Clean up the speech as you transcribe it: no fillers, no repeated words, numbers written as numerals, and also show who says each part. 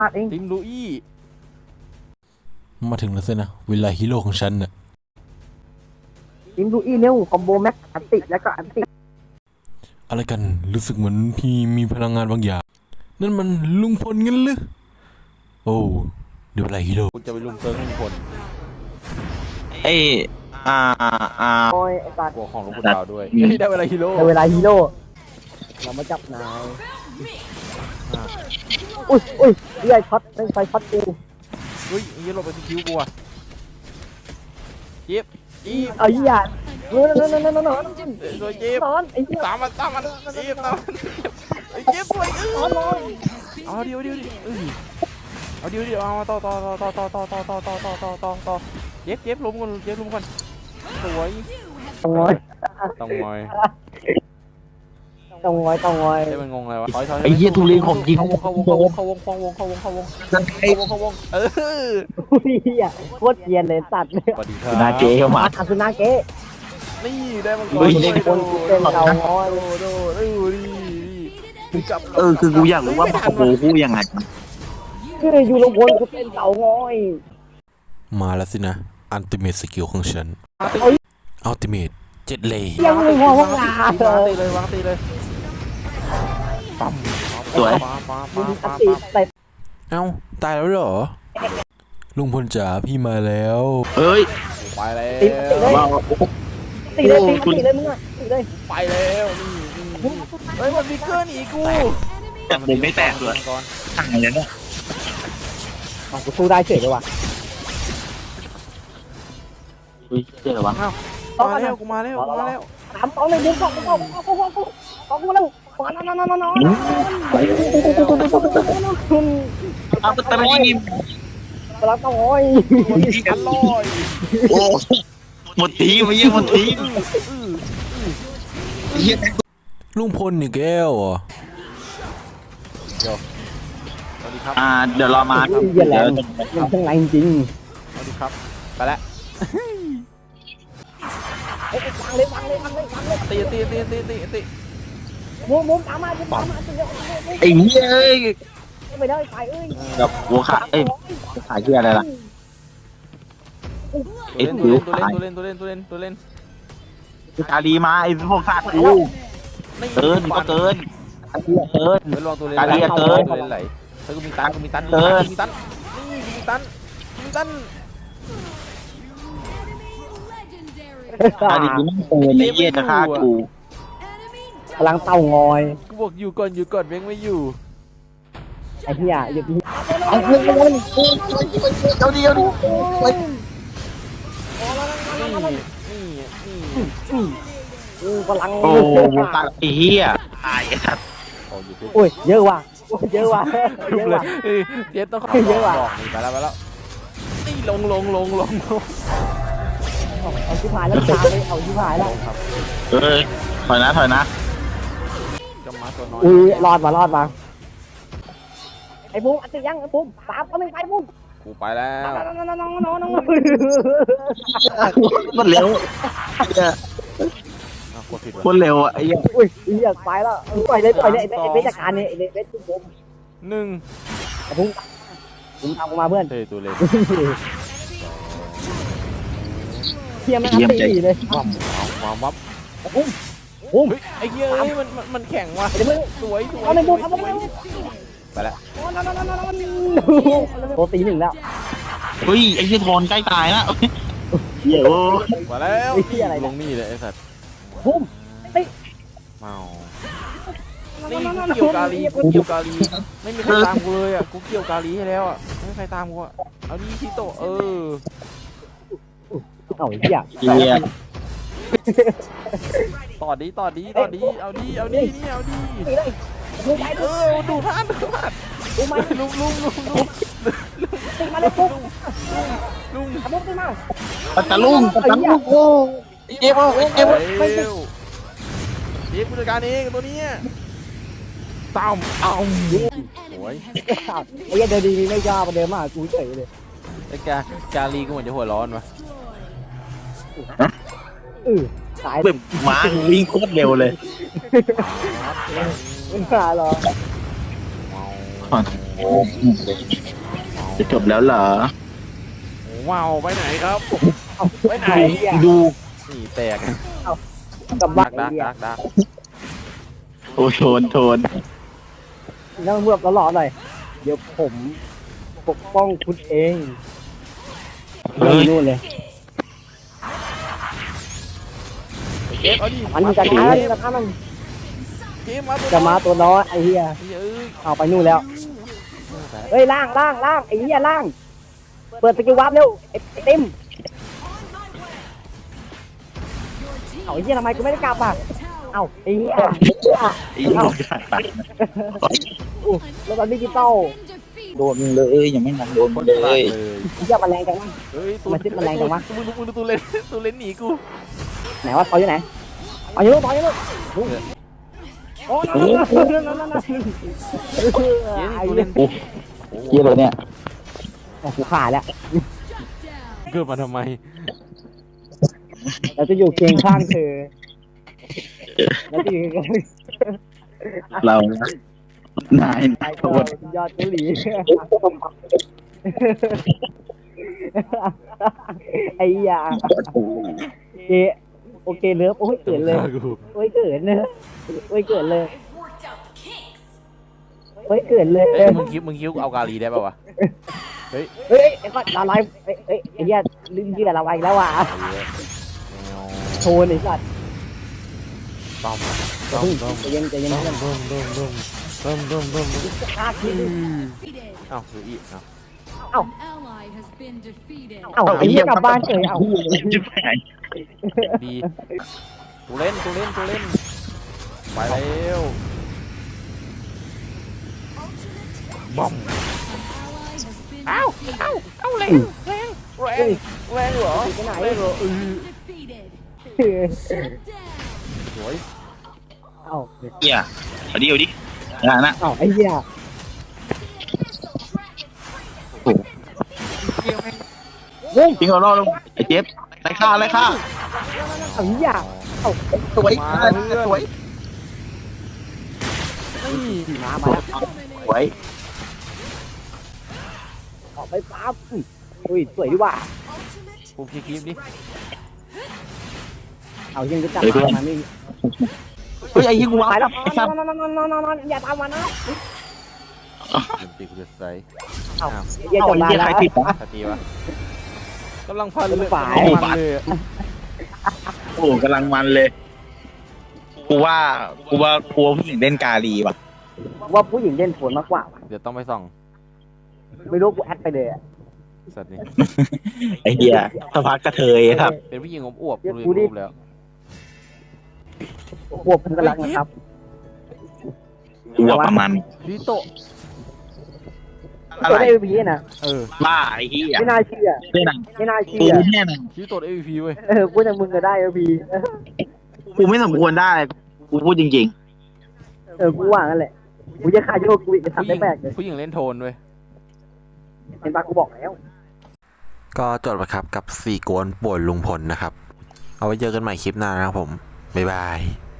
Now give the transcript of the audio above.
Speaker 1: พลาดเอง
Speaker 2: ทีมลูอี้
Speaker 3: มาถึงแล้วสินะเวลาฮีโร่ของฉันน่ะ
Speaker 1: ทีมดูอีเร็วคอมโบแม็กอันติแล้วก็อันติ
Speaker 3: อะไรกันรู้สึกเหมือนพี่มีพลังงานบางอย่างนั่นมันลุงพลงั้นหรือโอ้เดี๋ยวเวลาฮีโร่
Speaker 2: กูจะไปลุมเซิร์ฟลุงพล
Speaker 4: ไอ้อ่า
Speaker 1: โอ้ยไอ้สัตว์
Speaker 2: กลัวของลุงพลดาวด้วยได้เวลาฮีโร่
Speaker 1: ในเวลาฮีโร่เรามาจับนายอุ้ยเรื่อยช็อตไม่ไฟช็อตกู
Speaker 2: เฮ้ยไอ้เหี้ยหลบไปสกิลกูอ่ะเจ็บอีบ
Speaker 1: เอาอย่าโน่น
Speaker 2: สวยเจ็บ
Speaker 1: นอนไอ้เหี้ย
Speaker 2: ตามมันเจ็บตามมันไอ้เจ็บสวยเอาเดียวเอาเดียวเอามาต่อเจ็บล้มก่อนสวย
Speaker 1: ต้องงอย
Speaker 2: ต้องงอย
Speaker 1: เ
Speaker 2: ได้มันงงอะไรวะถอย
Speaker 4: ไอ้เหี้ยทุเรศของจริง
Speaker 2: เข้าวงเออ
Speaker 1: เหี้ยโคตรเกรียนเลยสัตว์
Speaker 2: สวัสดีครับ
Speaker 4: นาเกย์เข้ามา
Speaker 1: อาสุนาเกะ
Speaker 2: นี่ได้มังกร
Speaker 1: เฮ้ยเด็กคนกูเต้นเรางอย
Speaker 2: จับ
Speaker 4: คือกูอยากรู้ว่าโอ้โหกูยังไง
Speaker 1: คืออยู่ลงบนกูเต้นเต่างอย
Speaker 3: มาแล้วสินะอัลติเมทสกิลของฉันอัลติเมท7เลย
Speaker 1: ยังไม่พอพวกเรา
Speaker 2: วางตีเลยปั๊ม
Speaker 4: สวย
Speaker 1: มึงอันติใส่
Speaker 3: เอ้าตายแล้วเหรอลุงพลจ๋าพี่มาแล้ว
Speaker 4: เอ้ย
Speaker 2: ไปแล้ว
Speaker 4: ว้าว
Speaker 1: ตีเลยมึงอ่ะตีเลย
Speaker 2: ไปแล้วนี่เฮ้ยมันฟิกเกอร์หนีกู
Speaker 4: แต่ผมไม่แตกเลยห่างเลยเนี่ย
Speaker 1: กูสู้ได้เฉยเลยว่ะ
Speaker 4: อุ้ยเจ๋อวะ
Speaker 2: มาแล้วกูมาแล้ว
Speaker 1: ถามต้องเลยมึงบอกแล้วนอน
Speaker 4: อ้าวแต่ไม่ยิง
Speaker 1: รักต้องงอย
Speaker 2: อร่อย
Speaker 4: โอ้หมดทีมาเยี่ยมหมดทีเยี่ย
Speaker 3: ลุงพลนี่แก้วอ่ะ
Speaker 2: สวัสดีครับ
Speaker 4: เดี๋ยวรอมา
Speaker 1: เยี่ยแรงยังทั้งแรงจริง
Speaker 2: สวัสดีครับไปแล้ว
Speaker 1: วางเลย
Speaker 2: ตี
Speaker 1: มุมตามมา
Speaker 4: ไอ้เหี้ยเอ้ย
Speaker 1: ไม่ได้ไปเอ้ย
Speaker 4: กับหัวขาเอ้ยขาเหี้ยอะไรล่ะไอ้ผิวขา
Speaker 2: ตัวเล่น
Speaker 4: ตาดีมาไอ้พวกขาดกูเกินก็เกินไอ้เหี้ยเกิน
Speaker 2: เฮ้ยลองตัวเล่น
Speaker 4: การเรียกเกิน
Speaker 2: ตัวเล่นไหลเฮ้ยกูมีตันนี่มีตัน
Speaker 4: ตาดีกูไม่เกินไอ้เหี้ยจะฆ่ากู
Speaker 1: พลังเต่างอย
Speaker 2: กูบอกอยู่ก่อนเว้งไม่อยู่
Speaker 1: ไอ้เหี้ยอยู่ที่
Speaker 4: เอาเดียว
Speaker 1: พลัง
Speaker 4: โอ้ตาไอ้เหี้ยตายไอ้สัตว์
Speaker 1: โอ้ยเยอะว่ะเยอะว่ะ
Speaker 2: เจ๊ต้องขอ
Speaker 1: เยอะว่ะ
Speaker 2: บอกนี่ไปแล้วนี่ลง
Speaker 1: เอาชิบหายแล้วตามเลยเอาชิบหายแล้ว
Speaker 2: ครับ
Speaker 4: เอ้ยถอยนะ
Speaker 2: จะมาตัวน้อย
Speaker 1: รอดมาไอ้ปุ้มอัดติยังไอ้ปุ้มตามก็ไม่ไปปุ้ม
Speaker 2: กูไปแล้ว
Speaker 1: น้อง
Speaker 4: มันเร็ว
Speaker 2: กดผิด
Speaker 4: คนเร็วอ่ะไอ้เหี้ย
Speaker 1: อุ้ยเหี้ยไปแล้วปล่อยเลยไอ้เบสจัดการนี่ไอ้เบสปุ้ม
Speaker 2: 1
Speaker 1: ไอ้ปุ้มตามกูมาเพื่อน
Speaker 2: เฮ้ยตัวเล็ก
Speaker 1: เทียมมันอัดติเลย
Speaker 2: วางวับ
Speaker 1: ปุ้ม
Speaker 2: เฮ้ยไอ้เหี้ยมันแข็งว่ะ
Speaker 1: เดี๋ยวมึง
Speaker 2: สวย
Speaker 1: เอาในปุ้มเอาในปุ้ม
Speaker 2: ไปแล้ว
Speaker 1: โตตีหนึ่งแล้ว
Speaker 4: เฮ้ยไอ้เหี้ยทอนใกล้ตายแล้วเหี้ยโอ้
Speaker 2: มาแล้วลงนี่เลยไอ้สัตว์
Speaker 1: ปุ้มตี
Speaker 2: เมานี่เกี่ยวกาลีไม่มีใครตามกูเลยอ่ะกูเกี่ยวกาลีให้แล้วอ่ะไม่มีใครตามกูอ่ะเอาดิที่โต
Speaker 1: เอาเหี้ย
Speaker 4: เหี้ย
Speaker 2: ต่อดีเอาดินี่เอาดิ
Speaker 1: ตีเลยปุ้มไป
Speaker 2: ดูท่าน
Speaker 1: ปุ้มมา
Speaker 2: ลุง
Speaker 1: ตีมาเลยปุ้ม
Speaker 2: ลุง
Speaker 1: ปุ้มตีมา
Speaker 4: ปัตตาลุงโอ้เจ็บ
Speaker 2: เร็วกูจัดการเองตัวนี้ตามเอาโอ้ย
Speaker 1: ไอ้เดินดีไม่ยากประเดิมมากกูเฉยเลย
Speaker 2: ไอ้กาลีกูเหมือนจะหัวร้อนวะ
Speaker 1: สาย
Speaker 4: แบบม้าวิ่งโคตรเร็วเลย
Speaker 1: ไม่มาหรอ
Speaker 4: ขอโทษจะจบแล้วเหรอ
Speaker 2: โอ้ว้าวไปไหนครับ
Speaker 1: เอา
Speaker 2: ไปไหน
Speaker 1: ไอ้เหี้ย
Speaker 4: ดู
Speaker 2: นี่แตก
Speaker 1: กับบ้า
Speaker 2: ดั
Speaker 1: น
Speaker 2: ก
Speaker 1: ไอ้
Speaker 2: ดัก
Speaker 1: เหี้ย
Speaker 2: ดักดัก
Speaker 4: โอ้โทน
Speaker 1: แล้วเมื่อตลอดหน่อยเดี๋ยวผมปกป้องคุณเอง
Speaker 4: เฮ้ย
Speaker 1: นู่นเลย
Speaker 2: เก็บเอาดิ
Speaker 1: มันมีกระทะมันมีกระทะมัน
Speaker 2: เก็บมาตัว
Speaker 1: จะมาตัวน้อยไอ้เหี้ย
Speaker 2: เอ้ย
Speaker 1: เอาไปนู่นแล้วเฮ้ยล่างไอ้เหี้ยล่างเปิดสกิลวาร์ปเร็วไอ้เต็มเอาไอ้เหี้ยทำไมกูไม่ได้กลับอ่ะเอาไอ้เหี้ย
Speaker 4: อีกหมดขาดไป
Speaker 1: แล้วตอนดิจิตอล
Speaker 4: โดนเลยยังไม่ทันโดน
Speaker 2: คน
Speaker 4: เล
Speaker 2: ตาย
Speaker 4: ย
Speaker 2: เลย
Speaker 1: เหี้ยมันแรงจังวะ
Speaker 2: เฮ้ย
Speaker 1: มันซิปมันแรงจังวะ
Speaker 2: มึงดูตัวเล่นตัวเล่นหนีกู
Speaker 1: ไหนวะต่ออยู่ไหนต่ออยู่ต่ออยู่นู่นโอ้นั่น
Speaker 2: เจ๊นี่
Speaker 1: ไอ้
Speaker 2: ตัว
Speaker 1: เหี้
Speaker 2: เล่
Speaker 1: ย
Speaker 2: น
Speaker 4: เยี่ยเลยเนี่ย
Speaker 1: โอ้กูขาดแล้ว
Speaker 2: เกิดมาทำไม
Speaker 1: เราจะอยู่เคียงข้างเธอเราจะอยู่
Speaker 4: เรานาย
Speaker 1: ไอ้
Speaker 4: โท
Speaker 1: ตัว
Speaker 4: ษ
Speaker 1: ยอดเกาหลีไอ้ยาโอเคเลิฟโอ้ยเกิดเลยโอ้ยเกิดเลยโอ้ยเกิดเลยโอ้ยเกิดเลย
Speaker 2: เอ้ยมึงคิวเอากาลีได้ป่าวะ
Speaker 1: เฮ้ยไอ้ก็ละลายไอ้เหี้ยลิ้นเหี้ยละลายแล้วว่ะโชว์ไอ้สัตว์
Speaker 2: ต้อม
Speaker 1: ใจเย็นใจเย็น
Speaker 2: ต้อมต้อมต้อมต้อมต้อมต้อมต้อม
Speaker 1: ฆ่าที
Speaker 2: เอ้าดูอีกเอ้า
Speaker 1: เอ้าไอ้เหี้ยกลับบ้านเฉยเอ้า
Speaker 4: จะไปไหน
Speaker 2: ดีตัวเล่นไปแล้วบอมเอ้าแรงเหรอ
Speaker 1: ไปไหน
Speaker 2: แรงเหรอสวย
Speaker 1: เอ้า
Speaker 4: เยี่ยเอาดินะ
Speaker 1: เอ้าไอ้เหี้ย
Speaker 4: ทิ้งเอาล่อลงไอ้เจ็บไล่ฆ่า
Speaker 1: เอ้าเหี้ยเอ้า
Speaker 4: สวยสวย
Speaker 2: นี่
Speaker 1: มาแล้ว
Speaker 4: สวย
Speaker 1: ออกไปปั๊บอุ้ยสวยดีว่ะ
Speaker 2: กูคลิปดิ
Speaker 1: เอายังจะจับมาไม่
Speaker 4: เฮ้ยไอ้ยี่กูวา
Speaker 1: ตายแล้ว
Speaker 4: ไอ้สัตว์
Speaker 1: นอนอย่าตามมานะ
Speaker 2: ตีกูจะใส่
Speaker 1: เอาอย่า
Speaker 4: เอา
Speaker 1: จับ
Speaker 4: ไอ้
Speaker 1: มา
Speaker 4: ยี่ใคร
Speaker 1: แล้ว
Speaker 4: ติดวะ
Speaker 2: สตีวะกำลังพันเลย
Speaker 1: ฝ่าย
Speaker 2: มันเลย
Speaker 4: โอ้กำลังมันเลยกูว่าผู้หญิงเล่นกาลีว่ะ
Speaker 1: ว่าผู้หญิงเล่นโผลมากกว่า
Speaker 2: เดี๋ยวต้องไปส่อง
Speaker 1: ไม่รู้กูแอดไปเลย
Speaker 2: สัตว์นี่
Speaker 4: ไอ้เหี้ยสภากระเทยครับ
Speaker 2: เป็นผู้หญิงอวบๆกูเลยรูปแล้ว
Speaker 1: ควบคุมกันแล้วนะครับ
Speaker 4: กูว่าประมาณ
Speaker 2: ลิโตะ
Speaker 4: อะ
Speaker 1: ตัว
Speaker 4: ไร
Speaker 1: ได้พีนะ
Speaker 4: บ้าไอ้เหี้ย
Speaker 1: ไม่น่าเชื่อ
Speaker 4: เนี่ยนะ
Speaker 1: ไม่น่าเชื่
Speaker 4: กู
Speaker 1: อ
Speaker 4: เนี่ยนะ
Speaker 2: ลิโตะ MVP เว้ย
Speaker 1: พูดอย่างมึงก็ได้พี
Speaker 4: กูไม่สมควรได้กูพูดจริง
Speaker 1: กูว่างั้นแหละกูจะฆ่าโยกกูจะ
Speaker 2: ผู้
Speaker 1: ทำ
Speaker 2: ห
Speaker 1: ได้
Speaker 2: ญิง
Speaker 1: แปลกเลย
Speaker 2: ผู้หญิงเล่นโทนเว้ย
Speaker 1: เห็นปะกูบอกแล้ว
Speaker 3: ก็จบไปครับกับ4 กวนป่วนลุงพลนะครับ เอาไว้เจอกันใหม่คลิปหน้านะครับผม บ๊ายบาย